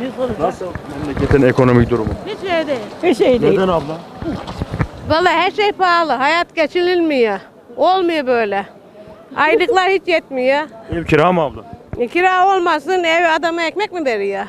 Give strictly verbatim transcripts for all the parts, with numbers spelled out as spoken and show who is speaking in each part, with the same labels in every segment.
Speaker 1: Biz olacak.
Speaker 2: Nasıl memleketin ekonomik durumu?
Speaker 1: Hiç şey değil. Hiç şey değil.
Speaker 2: Neden abla?
Speaker 3: Vallahi her şey pahalı. Hayat geçinilmiyor. Olmuyor böyle. Aylıklar hiç yetmiyor.
Speaker 2: Ev kira mı abla?
Speaker 3: E, kira olmasın ev adama ekmek mi veriyor?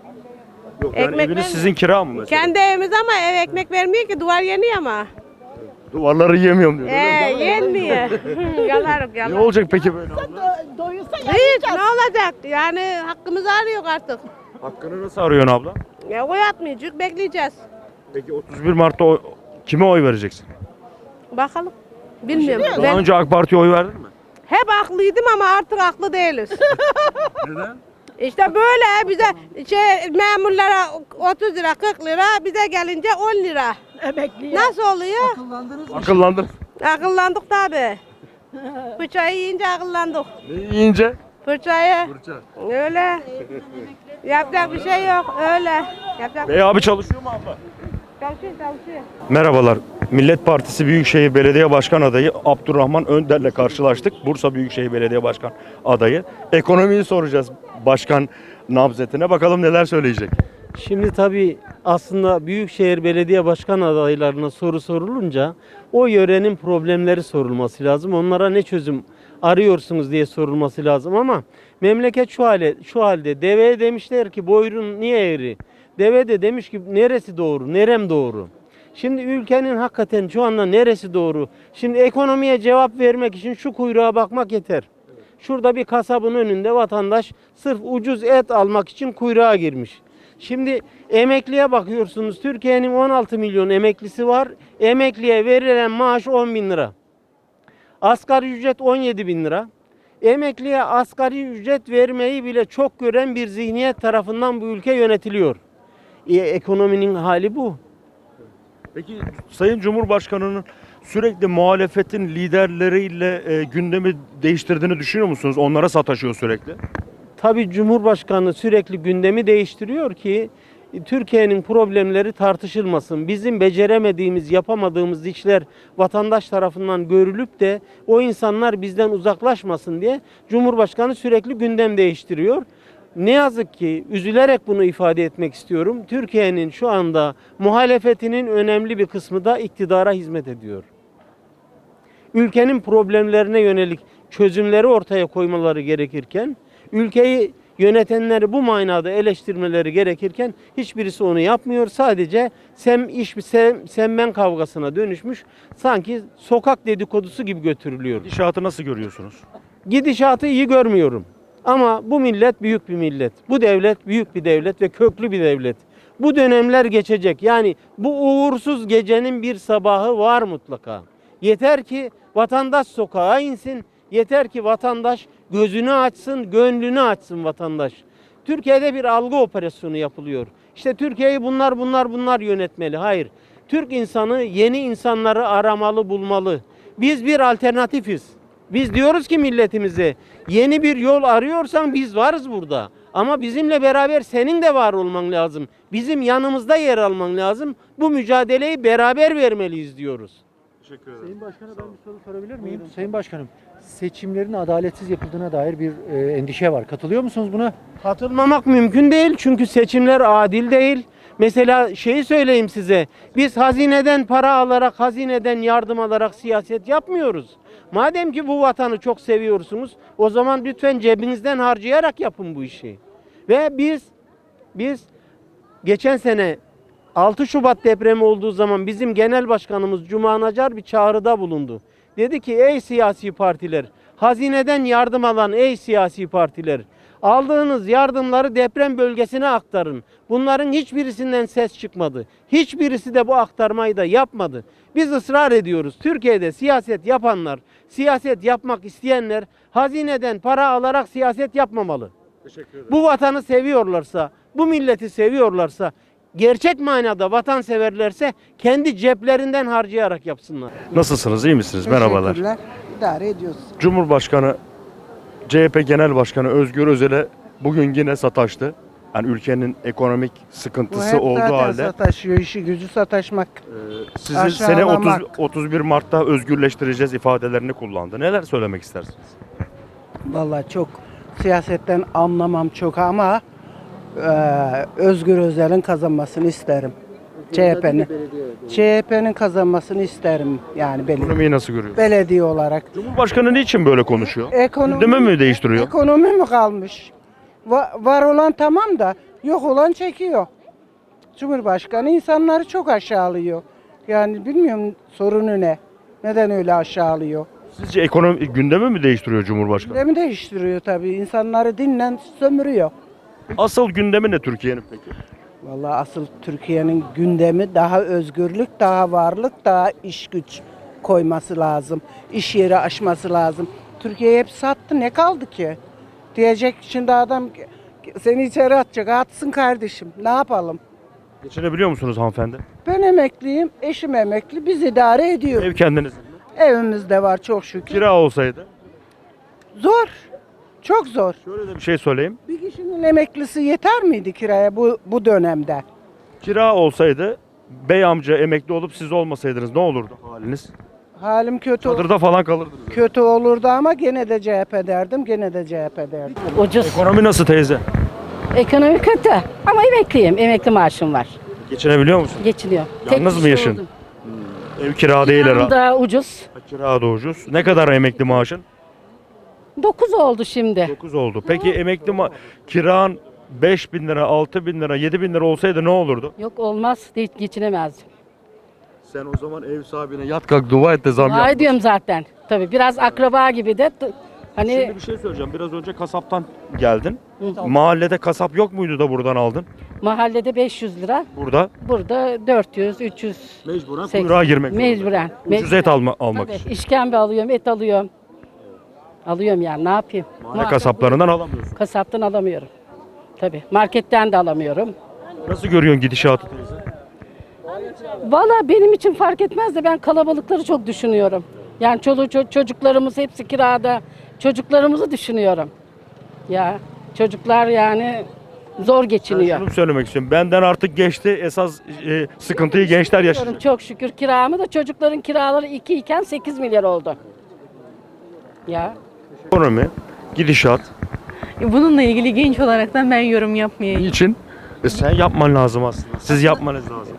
Speaker 2: Yok yani
Speaker 3: Ekmek
Speaker 2: eviniz
Speaker 3: ver-
Speaker 2: sizin kira mı mesela?
Speaker 3: Kendi evimiz ama ev ekmek vermiyor ki duvar yeniyor ama.
Speaker 2: Duvarları yiyemiyorum diyor.
Speaker 3: Ee, yenmiyor. Yalarım
Speaker 2: Ne
Speaker 3: yalarım.
Speaker 2: olacak peki böyle abla?
Speaker 1: Doyursa
Speaker 3: Hiç ne olacak? Yani hakkımızı arıyor artık.
Speaker 2: Hakkını nasıl arıyorsun abla?
Speaker 3: Ya oy atmayacak bekleyeceğiz.
Speaker 2: Peki otuz bir Mart'ta oy- kime oy vereceksin?
Speaker 3: Bakalım. Bilmiyorum.
Speaker 2: Daha
Speaker 3: Ben
Speaker 2: önce AK Parti'ye oy verdin mi?
Speaker 3: hep haklıydım ama artık haklı değiliz.
Speaker 2: Neden?
Speaker 3: İşte böyle bize şey memurlara otuz lira kırk lira bize gelince on lira.
Speaker 1: emekli.
Speaker 3: Nasıl oluyor?
Speaker 2: Akıllandın.
Speaker 3: Akıllandık tabi. Fırçayı yiyince akıllandık.
Speaker 2: Ne yiyince?
Speaker 3: Fırçayı.
Speaker 2: Fırça.
Speaker 3: Öyle. Yapacak bir şey yok. Öyle. Yapacak
Speaker 2: Bey abi çalışıyor mu abla?
Speaker 3: çalışıyor çalışıyor.
Speaker 2: Merhabalar. Millet Partisi Büyükşehir Belediye Başkan adayı Abdurrahman Önder'le karşılaştık. Bursa Büyükşehir Belediye Başkan adayı. Ekonomiyi soracağız başkan nabzetine. Bakalım neler söyleyecek.
Speaker 4: Şimdi tabii aslında Büyükşehir Belediye Başkan adaylarına soru sorulunca o yörenin problemleri sorulması lazım. Onlara ne çözüm arıyorsunuz diye sorulması lazım ama memleket şu hale şu halde. Deveye demişler ki boyrun niye eğri? Deve de demiş ki neresi doğru? Nerem doğru? Şimdi ülkenin hakikaten şu anda neresi doğru? Şimdi ekonomiye cevap vermek için şu kuyruğa bakmak yeter. Şurada bir kasabın önünde vatandaş sırf ucuz et almak için kuyruğa girmiş. Şimdi emekliye bakıyorsunuz. Türkiye'nin on altı milyon emeklisi var. Emekliye verilen maaş on bin lira. Asgari ücret on yedi bin lira. Emekliye asgari ücret vermeyi bile çok gören bir zihniyet tarafından bu ülke yönetiliyor. E, ekonominin hali bu.
Speaker 2: Peki Sayın Cumhurbaşkanı'nın sürekli muhalefetin liderleriyle e, gündemi değiştirdiğini düşünüyor musunuz? Onlara sataşıyor sürekli.
Speaker 4: Tabii Cumhurbaşkanı sürekli gündemi değiştiriyor ki e, Türkiye'nin problemleri tartışılmasın. Bizim beceremediğimiz, yapamadığımız işler vatandaş tarafından görülüp de o insanlar bizden uzaklaşmasın diye Cumhurbaşkanı sürekli gündem değiştiriyor. Ne yazık ki üzülerek bunu ifade etmek istiyorum. Türkiye'nin şu anda muhalefetinin önemli bir kısmı da iktidara hizmet ediyor. Ülkenin problemlerine yönelik çözümleri ortaya koymaları gerekirken, ülkeyi yönetenleri bu manada eleştirmeleri gerekirken hiçbirisi onu yapmıyor. Sadece sem iş sem, sen ben kavgasına dönüşmüş. Sanki sokak dedikodusu gibi götürülüyor.
Speaker 2: Gidişatı nasıl görüyorsunuz?
Speaker 4: Gidişatı iyi görmüyorum. Ama bu millet büyük bir millet. Bu devlet büyük bir devlet ve köklü bir devlet. Bu dönemler geçecek. Yani bu uğursuz gecenin bir sabahı var mutlaka. Yeter ki vatandaş sokağa insin. Yeter ki vatandaş gözünü açsın, gönlünü açsın vatandaş. Türkiye'de bir algı operasyonu yapılıyor. İşte Türkiye'yi bunlar bunlar bunlar yönetmeli. Hayır. Türk insanı yeni insanları aramalı, bulmalı. Biz bir alternatifiz. Biz diyoruz ki milletimize yeni bir yol arıyorsan biz varız burada. Ama bizimle beraber senin de var olman lazım. Bizim yanımızda yer alman lazım. Bu mücadeleyi beraber vermeliyiz diyoruz.
Speaker 2: Teşekkür ederim.
Speaker 5: Sayın Başkan'a ben bir soru sorabilir miyim? Sayın Başkanım, seçimlerin adaletsiz yapıldığına dair bir e, endişe var. Katılıyor musunuz buna?
Speaker 4: Katılmamak mümkün değil çünkü seçimler adil değil. Mesela şeyi söyleyeyim size. Biz hazineden para alarak, hazineden yardım alarak siyaset yapmıyoruz. Madem ki bu vatanı çok seviyorsunuz, o zaman lütfen cebinizden harcayarak yapın bu işi. Ve biz biz geçen sene altı Şubat depremi olduğu zaman bizim genel başkanımız Cuma Nacar bir çağrıda bulundu. Dedi ki ey siyasi partiler, hazineden yardım alan ey siyasi partiler, aldığınız yardımları deprem bölgesine aktarın. Bunların hiçbirisinden ses çıkmadı. Hiçbirisi de bu aktarmayı da yapmadı. Biz ısrar ediyoruz. Türkiye'de siyaset yapanlar, siyaset yapmak isteyenler hazineden para alarak siyaset yapmamalı.
Speaker 2: Teşekkür ederim.
Speaker 4: Bu vatanı seviyorlarsa, bu milleti seviyorlarsa, gerçek manada vatanseverlerse kendi ceplerinden harcayarak yapsınlar.
Speaker 2: Nasılsınız? İyi misiniz? Merhabalar.
Speaker 6: Teşekkürler. İdare ediyoruz.
Speaker 2: Cumhurbaşkanı C H P Genel Başkanı Özgür Özel'e bugün yine sataştı. Yani ülkenin ekonomik
Speaker 6: Bu
Speaker 2: sıkıntısı
Speaker 6: hep
Speaker 2: olduğu
Speaker 6: zaten
Speaker 2: halde
Speaker 6: sataşıyor, işi gücü sataşmak.
Speaker 2: e, sizi sene
Speaker 6: aşağılamak.
Speaker 2: otuz, otuz bir Mart'ta özgürleştireceğiz ifadelerini kullandı. Neler söylemek istersiniz?
Speaker 6: Vallahi çok siyasetten anlamam çok ama Ee, Özgür Özel'in kazanmasını isterim. C H P'nin. C H P'nin kazanmasını isterim yani belediye,
Speaker 2: Ekonomiyi nasıl görüyorsun?
Speaker 6: belediye olarak.
Speaker 2: Cumhurbaşkanı niçin böyle konuşuyor?
Speaker 6: Ekonomi,
Speaker 2: Gündemi mi değiştiriyor?
Speaker 6: Ekonomi mi kalmış? Va- var olan tamam da yok olan çekiyor. Cumhurbaşkanı insanları çok aşağılıyor. Yani bilmiyorum sorunu ne? Neden öyle aşağılıyor?
Speaker 2: Sizce ekonomi gündemi mi değiştiriyor Cumhurbaşkanı?
Speaker 6: Gündemi değiştiriyor tabii. İnsanları dinlen sömürüyor.
Speaker 2: Asıl gündemi ne Türkiye'nin peki?
Speaker 6: Vallahi asıl Türkiye'nin gündemi daha özgürlük, daha varlık, daha iş güç koyması lazım. İş yeri açması lazım. Türkiye hep sattı. Ne kaldı ki? Diyecek şimdi adam seni içeri atacak. Atsın kardeşim. Ne yapalım?
Speaker 2: Geçinebiliyor musunuz hanımefendi?
Speaker 6: Ben emekliyim. Eşim emekli. Biz idare ediyoruz.
Speaker 2: Ev kendiniz mi?
Speaker 6: Evimizde var çok şükür.
Speaker 2: Kira olsaydı?
Speaker 6: Zor. Çok zor.
Speaker 2: Şöyle de bir şey söyleyeyim.
Speaker 6: Bir kişinin emeklisi yeter miydi kiraya bu bu dönemde?
Speaker 2: Kira olsaydı bey amca emekli olup siz olmasaydınız ne olurdu haliniz?
Speaker 6: Halim kötü
Speaker 2: Çadırda falan kalırdınız.
Speaker 6: kötü olurdu ama gene de C H P derdim. Gene de C H P derdim.
Speaker 1: Ucuz.
Speaker 2: Ekonomi nasıl teyze?
Speaker 1: Ekonomi kötü ama emekliyim. Emekli maaşım var.
Speaker 2: Geçinebiliyor musun?
Speaker 1: Geçiniyor.
Speaker 2: Yalnız
Speaker 1: Tek
Speaker 2: mı
Speaker 1: kişi
Speaker 2: yaşın?
Speaker 1: oldum.
Speaker 2: Ev kira değil
Speaker 1: Kiram
Speaker 2: herhalde.
Speaker 1: da ucuz.
Speaker 2: Kira da ucuz. Ne kadar emekli maaşın?
Speaker 1: dokuz oldu şimdi.
Speaker 2: dokuz oldu. Peki emekli ma kiran beş bin lira, altı bin lira, yedi bin lira olsaydı ne olurdu?
Speaker 1: Yok olmaz. Hiç geçinemezdim.
Speaker 2: Sen o zaman ev sahibine yat kalk dua et de zam
Speaker 1: Dua
Speaker 2: yap.
Speaker 1: ediyorum zaten. Tabii biraz akraba gibi de t- hani
Speaker 2: Şimdi bir şey söyleyeceğim. Biraz önce kasaptan geldin. Mahallede kasap yok muydu da buradan aldın?
Speaker 1: mahallede beş yüz lira.
Speaker 2: Burada
Speaker 1: Burada dört yüz, üç yüz.
Speaker 2: mecburen
Speaker 1: seksen.
Speaker 2: kuyruğa girmek zorunda.
Speaker 1: Mecburen.
Speaker 2: Ucuz et alma, almak
Speaker 1: Tabii,
Speaker 2: için.
Speaker 1: işkembe alıyorum, et alıyorum. Alıyorum yani ne yapayım?
Speaker 2: Mahalle
Speaker 1: Muhakkak
Speaker 2: kasaplarından alamıyorsun.
Speaker 1: Kasaptan alamıyorum. Tabii. Marketten de alamıyorum.
Speaker 2: Nasıl görüyorsun gidişatı teyze?
Speaker 1: Valla benim için fark etmez de ben kalabalıkları çok düşünüyorum. Yani çoluğu ço- çocuklarımız hepsi kirada. Çocuklarımızı düşünüyorum. Ya çocuklar yani zor
Speaker 2: Ben
Speaker 1: geçiniyor.
Speaker 2: şunu söylemek istiyorum. Benden artık geçti. Esas e, sıkıntıyı gençler yaşayacak.
Speaker 1: Çok şükür kiramı da çocukların kiraları iki iken sekiz milyar oldu. Ya.
Speaker 2: Ekonomi, gidişat.
Speaker 7: Bununla ilgili genç olaraktan ben yorum yapmayayım.
Speaker 2: Niçin? E sen yapman lazım aslında. Siz yapmanız lazım.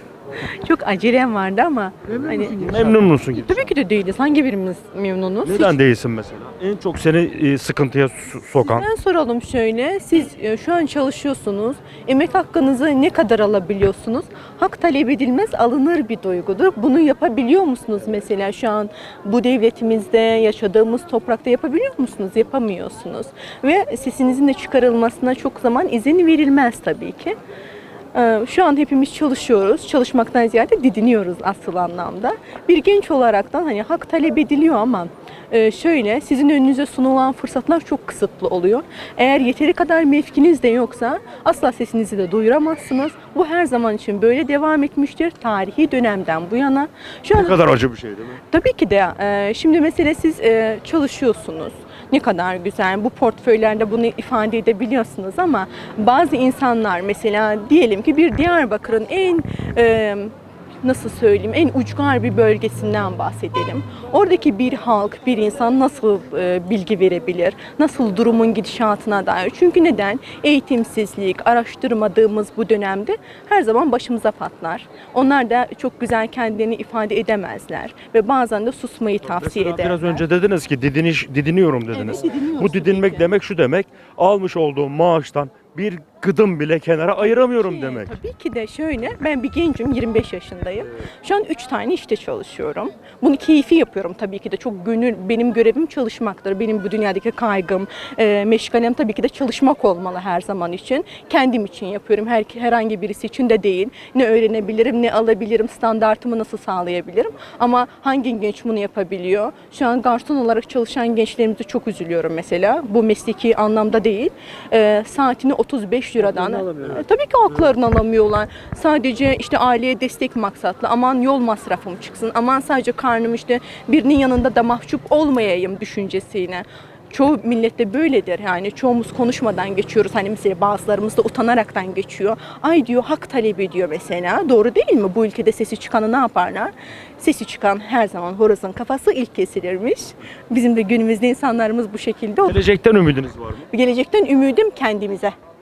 Speaker 7: Çok acelem vardı ama hani
Speaker 2: Memnun musun gidişat?
Speaker 7: tabii ki de değiliz. Hangi birimiz memnunuz?
Speaker 2: Neden değilsin mesela? En çok seni e, sıkıntıya so- sokan.
Speaker 7: Ben soralım şöyle. Siz e, şu an çalışıyorsunuz. Emek hakkınızı ne kadar alabiliyorsunuz? Hak talep edilmez, alınır bir duygudur. Bunu yapabiliyor musunuz mesela şu an bu devletimizde, yaşadığımız toprakta yapabiliyor musunuz? Yapamıyorsunuz. Ve sesinizin de çıkarılmasına çok zaman izin verilmez tabii ki. Ee, Şu an hepimiz çalışıyoruz. Çalışmaktan ziyade didiniyoruz asıl anlamda. Bir genç olaraktan hani hak talep ediliyor ama e, şöyle sizin önünüze sunulan fırsatlar çok kısıtlı oluyor. Eğer yeteri kadar mevkiniz de yoksa asla sesinizi de duyuramazsınız. Bu her zaman için böyle devam etmiştir. Tarihi dönemden bu yana. Şu
Speaker 2: Ne
Speaker 7: an
Speaker 2: kadar acı bir şey değil mi?
Speaker 7: tabii ki de e, şimdi mesele siz e, çalışıyorsunuz. Ne kadar güzel bu portföylerde bunu ifade edebiliyorsunuz ama bazı insanlar mesela diyelim ki bir Diyarbakır'ın en e, nasıl söyleyeyim en ucgar bir bölgesinden bahsedelim. Oradaki bir halk, bir insan nasıl e, bilgi verebilir? Nasıl durumun gidişatına dair? Çünkü neden? Eğitimsizlik, araştırmadığımız bu dönemde her zaman başımıza patlar. Onlar da çok güzel kendilerini ifade edemezler ve bazen de susmayı tavsiye
Speaker 2: Mesela
Speaker 7: ederler.
Speaker 2: biraz önce dediniz ki didiniş, didiniyorum dediniz.
Speaker 7: Evet, didiniyoruz
Speaker 2: Bu didinmek
Speaker 7: tabii ki.
Speaker 2: demek şu demek. Almış olduğum maaştan bir gıdım bile kenara ayıramıyorum
Speaker 7: Ki,
Speaker 2: demek.
Speaker 7: Tabii ki de şöyle, ben bir gencim, yirmi beş yaşındayım. Şu an üç tane işte çalışıyorum. Bunu keyfi yapıyorum tabii ki de. Çok gönül, benim görevim çalışmaktır. Benim bu dünyadaki kaygım, e, meşgalem tabii ki de çalışmak olmalı her zaman için. Kendim için yapıyorum, her, herhangi birisi için de değil. Ne öğrenebilirim, ne alabilirim, standartımı nasıl sağlayabilirim. Ama hangi genç bunu yapabiliyor? Şu an garson olarak çalışan gençlerimize çok üzülüyorum mesela. Bu mesleki anlamda değil. E, saatini otuz beş liradan. E, tabii ki haklarını alamıyorlar. Sadece işte aileye destek maksatlı. Aman yol masrafım çıksın. Aman sadece karnım işte birinin yanında da mahcup olmayayım düşüncesiyle. Çoğu millette böyledir yani çoğumuz konuşmadan geçiyoruz hani mesela bazılarımız da utanaraktan geçiyor. Ay diyor hak talep ediyor mesela doğru değil mi? Bu ülkede sesi çıkanı ne yaparlar? Sesi çıkan her zaman horozun kafası ilk kesilirmiş. Bizim de günümüzde insanlarımız bu şekilde olur.
Speaker 2: Gelecekten ümidiniz var mı?
Speaker 7: Gelecekten ümidim kendimize.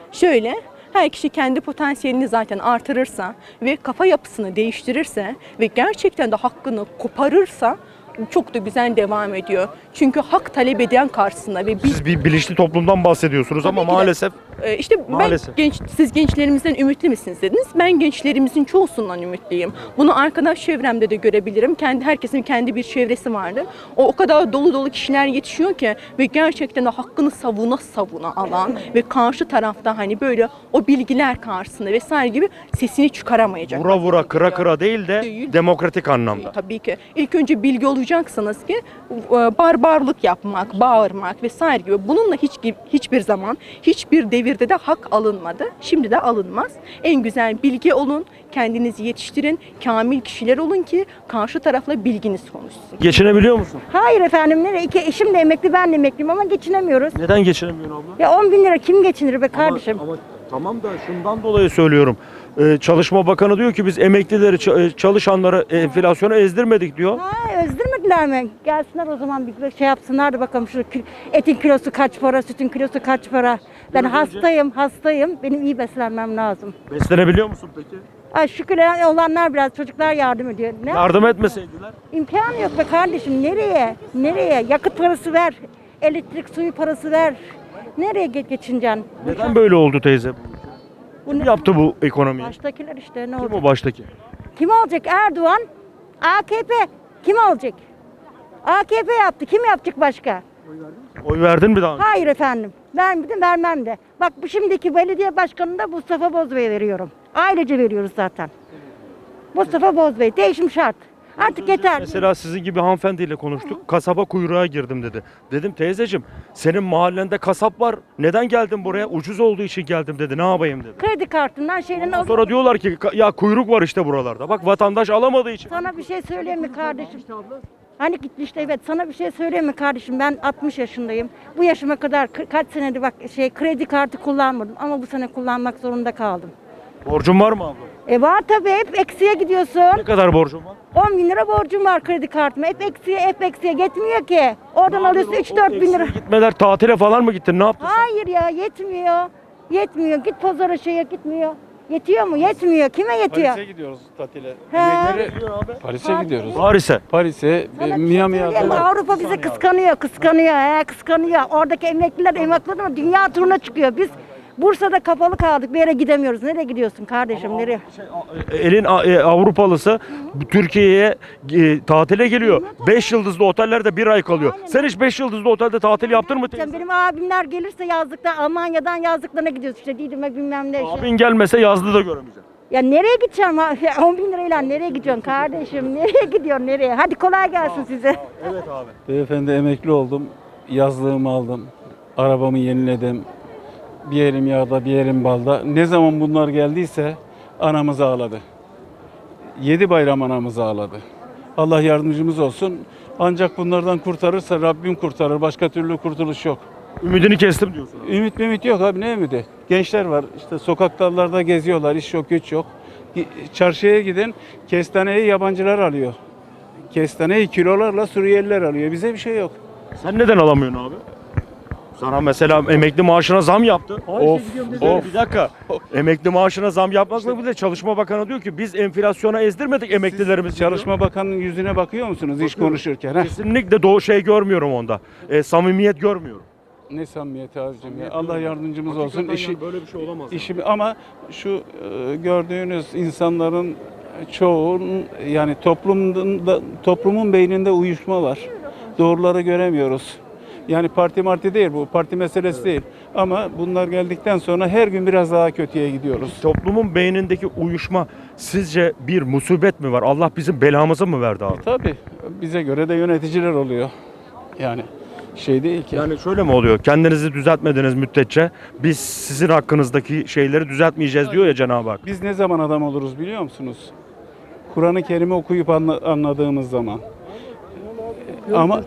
Speaker 7: Şöyle, her kişi kendi potansiyelini zaten artırırsa ve kafa yapısını değiştirirse ve gerçekten de hakkını koparırsa çok da güzel devam ediyor. Çünkü hak talep eden karşısında ve biz
Speaker 2: Siz bir bilinçli toplumdan bahsediyorsunuz ama
Speaker 7: Tabii ki de.
Speaker 2: maalesef
Speaker 7: Ee, işte
Speaker 2: Maalesef.
Speaker 7: ben genç, siz gençlerimizden ümitli misiniz dediniz. Ben gençlerimizin çoğusundan ümitliyim. Bunu arkadaş çevremde de görebilirim. Kendi herkesin kendi bir çevresi vardır. O o kadar dolu dolu kişiler yetişiyor ki ve gerçekten de hakkını savuna savuna alan ve karşı tarafta hani böyle o bilgiler karşısında vesaire gibi sesini çıkaramayacak.
Speaker 2: vura vura kıra kıra değil de
Speaker 7: Değil.
Speaker 2: demokratik anlamda.
Speaker 7: Tabii ki. İlk önce bilgi olacaksınız ki e, barbarlık yapmak, bağırmak vesaire gibi. Bununla hiç hiçbir zaman, hiçbir devirde de hak alınmadı. Şimdi de alınmaz. En güzel bilgi olun, kendinizi yetiştirin, kamil kişiler olun ki karşı tarafla bilginiz konuşsun.
Speaker 2: Geçinebiliyor musun?
Speaker 8: Hayır efendim, nereye? İki eşim de emekli, ben de emekliyim ama geçinemiyoruz.
Speaker 2: Neden geçinemiyorsun abla?
Speaker 8: Ya on bin lira kim geçinir be kardeşim?
Speaker 2: Ama, ama tamam da şundan dolayı söylüyorum. Ee, Çalışma Bakanı diyor ki biz emeklileri, ç- çalışanları enflasyona ezdirmedik diyor.
Speaker 8: Ha, özdirmediler mi? Gelsinler o zaman bir şey yapsınlar da bakalım şu kil- etin kilosu kaç para, sütün kilosu kaç para. Ben hastayım, hastayım. Benim iyi beslenmem lazım.
Speaker 2: Beslenebiliyor musun peki?
Speaker 8: Ay şükür olanlar biraz, çocuklar yardım ediyor. Ne?
Speaker 2: Yardım etmeseydiler.
Speaker 8: İmkanı yok be kardeşim. Nereye? Nereye? Yakıt parası ver. Elektrik suyu parası ver. Nereye ge- geçineceksin?
Speaker 2: Neden böyle oldu teyze?
Speaker 8: Bu
Speaker 2: Kim
Speaker 8: ne?
Speaker 2: yaptı bu ekonomiyi?
Speaker 8: Baştakiler işte ne
Speaker 2: Kim
Speaker 8: olacak?
Speaker 2: o baştaki?
Speaker 8: Kim olacak? Erdoğan, A K P. Kim olacak? A K P yaptı. Kim yapacak başka?
Speaker 2: Oy verdin mi daha önce?
Speaker 8: Hayır efendim. Vermedim, vermem de. Bak bu şimdiki belediye başkanını da Mustafa Bozbey'e veriyorum. Ailece veriyoruz zaten. Mustafa Bozbey. Değişim şart. Artık yeter.
Speaker 2: Mesela sizin gibi hanımefendiyle konuştuk. Kasaba kuyruğa girdim dedi. Dedim teyzeciğim senin mahallende kasap var. Neden geldin buraya? Ucuz olduğu için geldim dedi. Ne yapayım dedi.
Speaker 8: Kredi kartından şeyden al.
Speaker 2: Sonra diyorlar ki "Ka- ya kuyruk var işte buralarda. Bak vatandaş alamadığı için.
Speaker 8: Sana bir şey söyleyeyim mi kardeşim? Hani gitmişti evet. Sana bir şey söyleyeyim mi kardeşim? Ben altmış yaşındayım. Bu yaşıma kadar kı- kaç senedir bak şey kredi kartı kullanmadım ama bu sene kullanmak zorunda kaldım.
Speaker 2: Borcun var mı abla?
Speaker 8: E var tabii, hep eksiye gidiyorsun.
Speaker 2: Ne kadar borcun var?
Speaker 8: on bin lira borcum var kredi kartıma. Hep eksiye, hep eksiye yetmiyor ki. Oradan alıyorsun üç dört bin lira.
Speaker 2: Gitmeler tatile falan mı gittin? Ne yaptın? sen?
Speaker 8: Hayır ya, yetmiyor. Yetmiyor. Git pazara şeye gitmiyor. Yetiyor mu? Yetmiyor. Kime yetiyor?
Speaker 9: Paris'e gidiyoruz tatile.
Speaker 8: He.
Speaker 9: Paris'e gidiyoruz.
Speaker 2: Paris'e.
Speaker 9: Paris'e,
Speaker 8: Sana
Speaker 9: e,
Speaker 8: bir şey
Speaker 9: Miami'ye
Speaker 8: söyleyeyim mi?
Speaker 9: falan.
Speaker 8: Avrupa bizi kıskanıyor, kıskanıyor, he, kıskanıyor. Oradaki emekliler emekliler ama dünya turuna çıkıyor. Biz Bursa'da kapalı kaldık. Bir yere gidemiyoruz. Nereye gidiyorsun kardeşim? Nereye?
Speaker 2: Elin a- e, Avrupalısı bu Türkiye'ye e, tatile geliyor. beş yıldızlı otellerde bir ay kalıyor. Sen hiç beş yıldızlı otelde tatil yaptın mı teyze?
Speaker 8: Benim abimler gelirse yazlıkta Almanya'dan yazlıklarına gidiyoruz işte Didim'e bilmem ne. Işte.
Speaker 2: Abin gelmese yazlı da göremeyeceksin.
Speaker 8: Ya nereye gideceğim? ha? Ya on bin lirayla nereye gidiyorsun kardeşim? Nereye gidiyorsun nereye? Hadi kolay gelsin size.
Speaker 2: Evet abi.
Speaker 9: Beyefendi emekli oldum. Yazlığımı aldım. Arabamı yeniledim. Bir elim yağda, bir elim balda. Ne zaman bunlar geldiyse anamız ağladı. Yedi bayram anamız ağladı. Allah yardımcımız olsun. Ancak bunlardan kurtarırsa Rabbim kurtarır. Başka türlü kurtuluş yok.
Speaker 2: Ümidini kestim diyorsun. abi.
Speaker 9: Ümit mümit yok abi, ne ümidi? Gençler var işte sokaklarda geziyorlar, iş yok güç yok. Çarşıya gidin, kestaneyi yabancılar alıyor. Kestaneyi kilolarla Suriyeliler alıyor. Bize bir şey yok.
Speaker 2: Sen neden alamıyorsun abi? Sana mesela emekli maaşına zam yaptı.
Speaker 9: Of, of.
Speaker 2: Bir dakika. Emekli maaşına zam yapmakla bile Çalışma Bakanı diyor ki biz enflasyona ezdirmedik emeklilerimizi. diyor.
Speaker 9: Çalışma Bakanı'nın yüzüne bakıyor musunuz iş
Speaker 2: Bakıyorum.
Speaker 9: konuşurken? Heh.
Speaker 2: Kesinlikle doğu şey görmüyorum onda. E, samimiyet görmüyorum.
Speaker 9: Ne samimiyeti abicim ya. Allah yardımcımız olsun. İşi,
Speaker 2: böyle bir şey olamaz.
Speaker 9: işi, ama şu e, gördüğünüz insanların çoğunun yani toplumda, toplumun beyninde uyuşma var. Doğruları göremiyoruz. Yani parti marti değil bu, parti meselesi değil. Ama bunlar geldikten sonra her gün biraz daha kötüye gidiyoruz.
Speaker 2: Toplumun beynindeki uyuşma sizce bir musibet mi var? Allah bizim belamızı mı verdi abi?
Speaker 9: Tabii bize göre de yöneticiler oluyor. Yani şey değil ki.
Speaker 2: Yani şöyle mi oluyor? Kendinizi düzeltmediğiniz müddetçe biz sizin hakkınızdaki şeyleri düzeltmeyeceğiz diyor ya Cenab-ı Hak.
Speaker 9: Biz ne zaman adam oluruz biliyor musunuz? Kur'an-ı Kerim'i okuyup anla- anladığımız zaman. Ama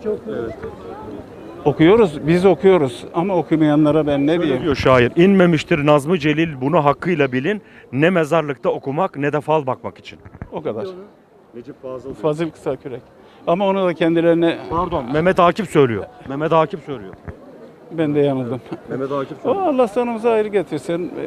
Speaker 9: okuyoruz, biz okuyoruz ama okumayanlara ben ne
Speaker 2: Öyle
Speaker 9: diyeyim?
Speaker 2: diyor şair. İnmemiştir Nazmı Celil bunu hakkıyla bilin. Ne mezarlıkta okumak ne de fal bakmak için.
Speaker 9: O kadar.
Speaker 2: Necip Fazıl.
Speaker 9: Fazıl Kısakürek. Ama onu da kendilerine
Speaker 2: Pardon Mehmet Akif söylüyor. Mehmet Akif söylüyor.
Speaker 9: Ben de yanıldım.
Speaker 2: Mehmet Akif
Speaker 9: O Allah sonumuza hayır getirsin. Ee,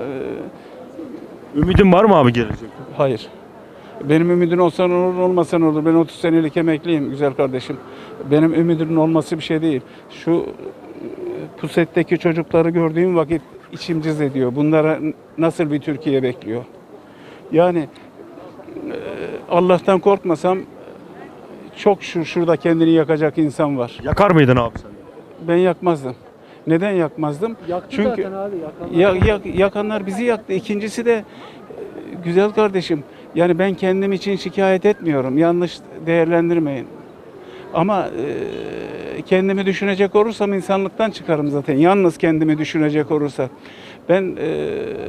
Speaker 2: Ümidin var mı abi gelecekte?
Speaker 9: Hayır. Benim ümidim olsa ne olur, olmasa ne olur. Ben otuz senelik emekliyim güzel kardeşim. Benim ümidimin olması bir şey değil. Şu e, pusetteki çocukları gördüğüm vakit içim cız ediyor. Bunlara nasıl bir Türkiye bekliyor? Yani e, Allah'tan korkmasam çok şu şurada kendini yakacak insan var.
Speaker 2: Yakar mıydın abi sen?
Speaker 9: Ben yakmazdım. Neden yakmazdım?
Speaker 5: Yaktı
Speaker 9: Çünkü
Speaker 5: zaten abi. Yakanlar.
Speaker 9: ya, ya- yakanlar bizi yaktı. İkincisi de e, güzel kardeşim. Yani ben kendim için şikayet etmiyorum. Yanlış değerlendirmeyin. Ama e, kendimi düşünecek olursam insanlıktan çıkarım zaten. Yalnız kendimi düşünecek olursa. Ben e,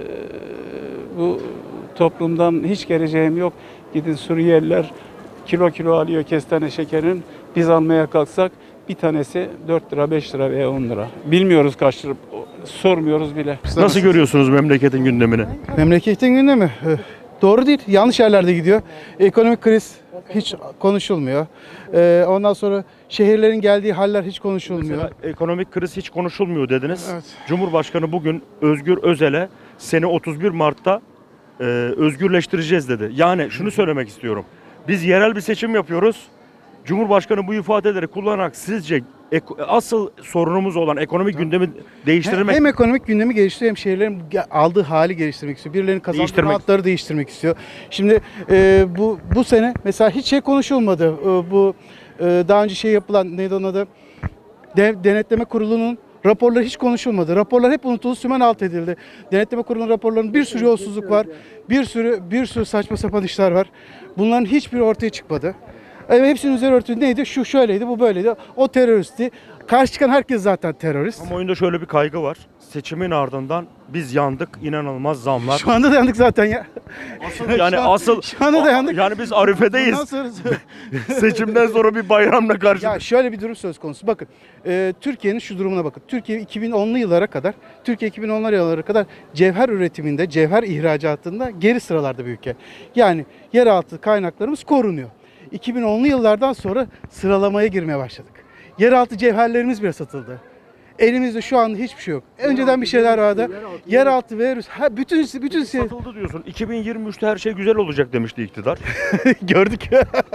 Speaker 9: bu toplumdan hiç geleceğim yok. Gidin Suriyeliler kilo kilo alıyor kestane şekerin. Biz almaya kalksak bir tanesi dört lira, beş lira veya on lira. Bilmiyoruz kaç lira. Sormuyoruz bile.
Speaker 2: Nasıl görüyorsunuz memleketin gündemini?
Speaker 10: Memleketin gündemi e, doğru değil. Yanlış yerlerde gidiyor. Ekonomik kriz hiç konuşulmuyor. E, ondan sonra şehirlerin geldiği haller hiç konuşulmuyor.
Speaker 2: Mesela ekonomik kriz hiç konuşulmuyor dediniz.
Speaker 10: Evet.
Speaker 2: Cumhurbaşkanı bugün Özgür Özel'e seni otuz bir Mart'ta e, özgürleştireceğiz dedi. Yani şunu söylemek istiyorum. Biz yerel bir seçim yapıyoruz. Cumhurbaşkanı bu ifadeleri kullanarak sizce ek- asıl sorunumuz olan ekonomik gündemi değiştirmek
Speaker 10: Hem ekonomik gündemi geliştiriyor hem şehirlerin ge- aldığı hali geliştirmek istiyor. Birilerinin kazandığı
Speaker 2: Değiştirmek.
Speaker 10: rahatları değiştirmek istiyor. Şimdi e, bu bu sene mesela hiç şey konuşulmadı. E, bu e, daha önce şey yapılan neydi onun adı? De- Denetleme Kurulu'nun raporları hiç konuşulmadı. Raporlar hep unutuldu, sümen alt edildi. Denetleme Kurulu'nun raporlarının bir sürü yolsuzluk var. Bir sürü bir sürü saçma sapan işler var. Bunların hiçbiri ortaya çıkmadı. Evet, hepsinin üzeri örtülü neydi? Şu şöyleydi, bu böyleydi. O teröristti. Karşı çıkan herkes zaten terörist.
Speaker 2: ama oyunda şöyle bir kaygı var. Seçimin ardından biz yandık, inanılmaz zamlar.
Speaker 10: Şu anda dayandık zaten ya.
Speaker 2: Asıl yani
Speaker 10: Şu an-
Speaker 2: asıl
Speaker 10: şu anda dayandık.
Speaker 2: yani biz arifedeyiz.
Speaker 10: Bundan sonrası-
Speaker 2: Seçimden sonra bir bayramla karşı.
Speaker 10: Ya şöyle bir durum söz konusu. Bakın e, Türkiye'nin şu durumuna bakın. Türkiye iki bin onlu yıllara kadar, Türkiye iki bin onlu yıllara kadar cevher üretiminde, cevher ihracatında geri sıralarda bir ülke. Yani yeraltı kaynaklarımız korunuyor. iki bin onlu yıllardan sonra sıralamaya girmeye başladık. Yeraltı cevherlerimiz bile satıldı. Elimizde şu anda hiçbir şey yok. Önceden bir şeyler vardı. Yeraltı ve ha, bütün bütün şey
Speaker 2: Satıldı diyorsun. iki bin yirmi üçte her şey güzel olacak demişti iktidar.
Speaker 10: gördük.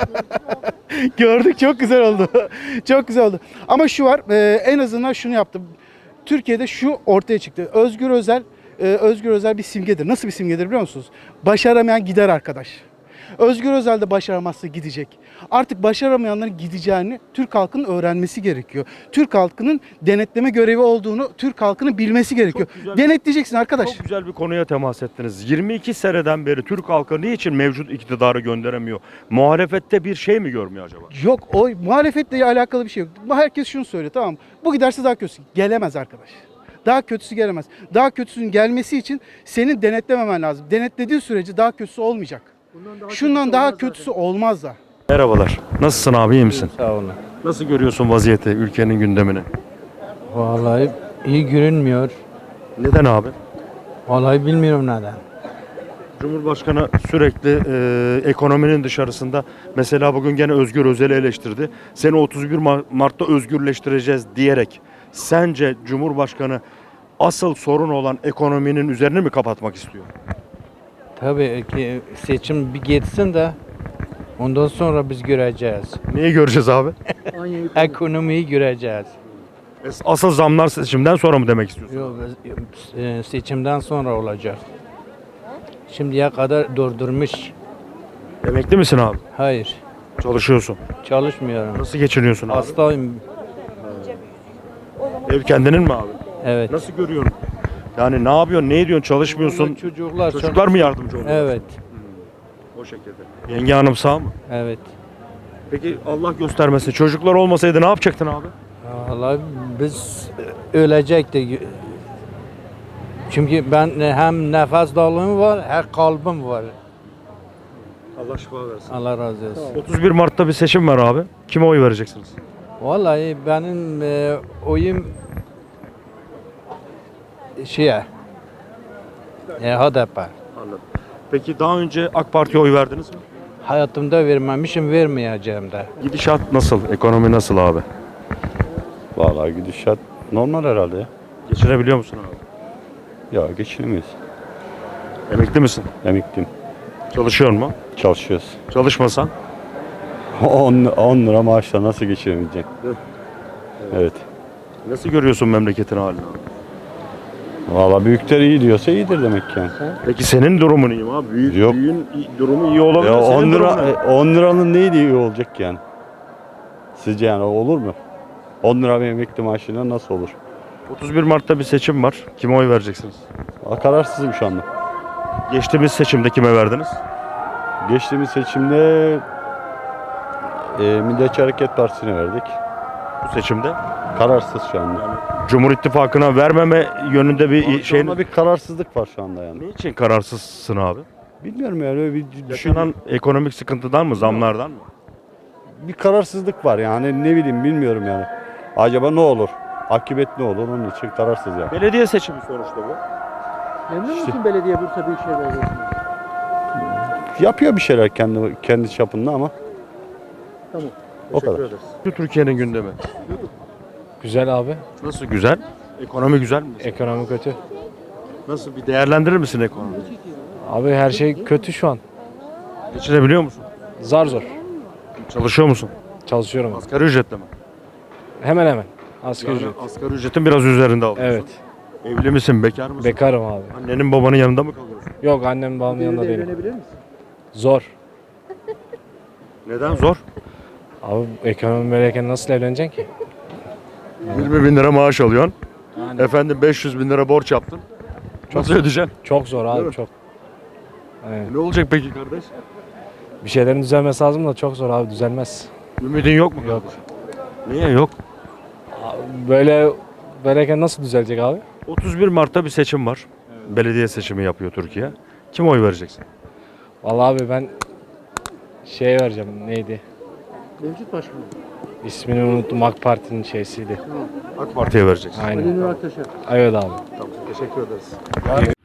Speaker 10: Gördük, çok güzel oldu. Çok güzel oldu. Ama şu var, e, en azından şunu yaptım. Türkiye'de şu ortaya çıktı. Özgür Özel, e, Özgür Özel bir simgedir. Nasıl bir simgedir biliyor musunuz? Başaramayan gider arkadaş. Özgür Özel de başaramazsa gidecek. Artık başaramayanların gideceğini Türk halkının öğrenmesi gerekiyor. Türk halkının denetleme görevi olduğunu Türk halkının bilmesi gerekiyor.
Speaker 2: güzel.
Speaker 10: Denetleyeceksin arkadaş.
Speaker 2: Çok güzel bir konuya temas ettiniz. yirmi iki seneden beri Türk halkı niçin mevcut iktidarı gönderemiyor? Muhalefette bir şey mi görmüyor acaba?
Speaker 10: Yok, o muhalefetle alakalı bir şey yok. Herkes şunu söylüyor, tamam mı? Bu giderse daha kötüsü. Gelemez arkadaş. Daha kötüsü gelemez. Daha kötüsünün gelmesi için senin denetlememen lazım. Denetlediğin sürece daha kötüsü olmayacak. Şundan daha kötüsü olmaz da.
Speaker 2: Merhabalar. Nasılsın abi, iyi misin?
Speaker 11: Sağ olun.
Speaker 2: Nasıl görüyorsun vaziyeti, ülkenin gündemini?
Speaker 11: Vallahi iyi görünmüyor.
Speaker 2: Neden abi?
Speaker 11: Vallahi bilmiyorum neden.
Speaker 2: Cumhurbaşkanı sürekli e, ekonominin dışarısında, mesela bugün gene Özgür Özel'i eleştirdi. Seni otuz bir Mart'ta özgürleştireceğiz diyerek, sence Cumhurbaşkanı asıl sorun olan ekonominin üzerini mi kapatmak istiyor?
Speaker 11: Tabii ki seçim bir geçsin de ondan sonra biz göreceğiz.
Speaker 2: Neyi göreceğiz abi?
Speaker 11: Ekonomiyi göreceğiz.
Speaker 2: Asıl zamlar seçimden sonra mı demek istiyorsun?
Speaker 11: Yok, e, seçimden sonra olacak. Şimdiye kadar durdurmuş.
Speaker 2: Emekli misin abi?
Speaker 11: Hayır,
Speaker 2: Çalışıyorsun.
Speaker 11: çalışmıyorum.
Speaker 2: Nasıl geçiniyorsun abi?
Speaker 11: Hastayım.
Speaker 2: Ev kendinin mi abi?
Speaker 11: Evet.
Speaker 2: Nasıl görüyorsun? Yani ne yapıyorsun, ne ediyorsun, çalışmıyorsun?
Speaker 11: Çocuklar,
Speaker 2: Çocuklar mı yardımcı oluyor?
Speaker 11: Evet,
Speaker 2: O şekilde. Yenge hanım sağ mı?
Speaker 11: evet.
Speaker 2: Peki Allah göstermesin. Çocuklar olmasaydı ne yapacaktın abi?
Speaker 11: Vallahi biz ölecektik. Çünkü ben hem nefes darlığım var, hem kalbim var.
Speaker 2: Allah şifa versin.
Speaker 11: Allah razı olsun.
Speaker 2: otuz bir Mart'ta bir seçim var abi. Kime oy vereceksiniz?
Speaker 11: Vallahi benim e, oyum şeye, e, H D P.
Speaker 2: Anladım. Peki daha önce AK Parti'ye oy verdiniz mi?
Speaker 11: Hayatımda vermemişim, vermeyeceğim de.
Speaker 2: Gidişat nasıl? Ekonomi nasıl abi?
Speaker 12: Vallahi gidişat Normal herhalde ya.
Speaker 2: Geçinebiliyor musun abi?
Speaker 12: Ya geçinemiyoruz.
Speaker 2: Emekli misin?
Speaker 12: Emekliyim.
Speaker 2: Çalışıyor mu?
Speaker 12: Çalışıyoruz.
Speaker 2: Çalışmasan?
Speaker 12: on lira maaşla nasıl geçinemeyecek? Evet.
Speaker 2: Nasıl görüyorsun memleketin halini abi?
Speaker 12: Valla büyükler iyi diyorsa iyidir demek yani.
Speaker 2: Peki senin durumun iyi mi abi? Büyük,
Speaker 12: Yok.
Speaker 2: büyüğün iyi- durumu iyi olabilir.
Speaker 12: Ya
Speaker 2: senin
Speaker 12: on lira
Speaker 2: durumun ne?
Speaker 12: on liranın neydi iyi olacak yani? Sizce yani olur mu? on lira bir emekli maaşıyla nasıl olur?
Speaker 2: otuz bir Mart'ta bir seçim var. Kime oy vereceksiniz?
Speaker 12: Valla kararsızım şu anda.
Speaker 2: Geçtiğimiz seçimde kime verdiniz?
Speaker 12: Geçtiğimiz seçimde e, Milliyetçi Hareket Partisi'ne verdik.
Speaker 2: Bu seçimde?
Speaker 12: Kararsız şu anda.
Speaker 2: Cumhur İttifakı'na vermeme yönünde bir
Speaker 12: Şu
Speaker 2: şeyin...
Speaker 12: anda bir kararsızlık var şu anda yani.
Speaker 2: Niçin kararsızsın abi?
Speaker 12: Bilmiyorum yani öyle bir düşün,
Speaker 2: Yaşanan ekonomik sıkıntıdan mı, zamlardan mı?
Speaker 12: bir kararsızlık var yani ne bileyim bilmiyorum yani. Acaba ne olur? Akıbet ne olur? Onun için kararsız yani.
Speaker 2: Belediye seçimi sonuçta bu.
Speaker 5: Memnun musun belediye Bursa Büyükşehir Belediyesi'nden?
Speaker 12: Yapıyor bir şeyler kendi kendi çapında ama.
Speaker 5: Tamam.
Speaker 12: O kadar.
Speaker 2: ederiz. Türkiye'nin gündemi.
Speaker 11: Güzel abi.
Speaker 2: Nasıl güzel? Ekonomi güzel mi?
Speaker 11: Ekonomi kötü.
Speaker 2: Nasıl bir değerlendirir misin ekonomiyi?
Speaker 11: Abi her şey kötü şu an.
Speaker 2: Geçinebiliyor musun?
Speaker 11: Zar zor.
Speaker 2: Çalışıyor musun?
Speaker 11: Çalışıyorum.
Speaker 2: Asgari ücretle mi?
Speaker 11: Hemen hemen. Asgari
Speaker 2: Yani
Speaker 11: ücret.
Speaker 2: asgari ücretin biraz üzerinde alıyorsun.
Speaker 11: Evet.
Speaker 2: Evli misin, bekar mısın?
Speaker 11: Bekarım abi.
Speaker 2: Annenin babanın yanında mı kalıyorsun?
Speaker 11: Yok annem babamın yanında
Speaker 5: Devirde
Speaker 11: değilim.
Speaker 5: evlenebilir misin?
Speaker 11: Zor.
Speaker 2: Neden zor?
Speaker 11: Abi ekonomi böyleyken nasıl evleneceksin ki?
Speaker 2: yirmi bin lira maaş alıyorsun. Efendim beş yüz bin lira borç yaptın. Nasıl ödeyeceksin?
Speaker 11: Çok zor
Speaker 2: Değil
Speaker 11: abi
Speaker 2: mi?
Speaker 11: çok. Evet.
Speaker 2: Ne olacak peki kardeş?
Speaker 11: Bir şeylerin düzelmesi lazım da çok zor abi düzelmez.
Speaker 2: Ümidin yok mu?
Speaker 11: Yok.
Speaker 2: Niye yok?
Speaker 11: Böyle böyleyken nasıl düzelecek abi?
Speaker 2: otuz bir Mart'ta bir seçim var. Belediye seçimi yapıyor Türkiye. Kim oy vereceksin?
Speaker 11: Vallahi abi ben şeye vereceğim neydi?
Speaker 5: Mevcut başkanım.
Speaker 11: İsmini unuttum AK Parti'nin şeysiydi.
Speaker 2: AK Parti'ye vereceksin.
Speaker 11: Aynen.
Speaker 5: Ali Nur Aktaş'a.
Speaker 11: Evet abi.
Speaker 2: Tamam, teşekkür ederiz.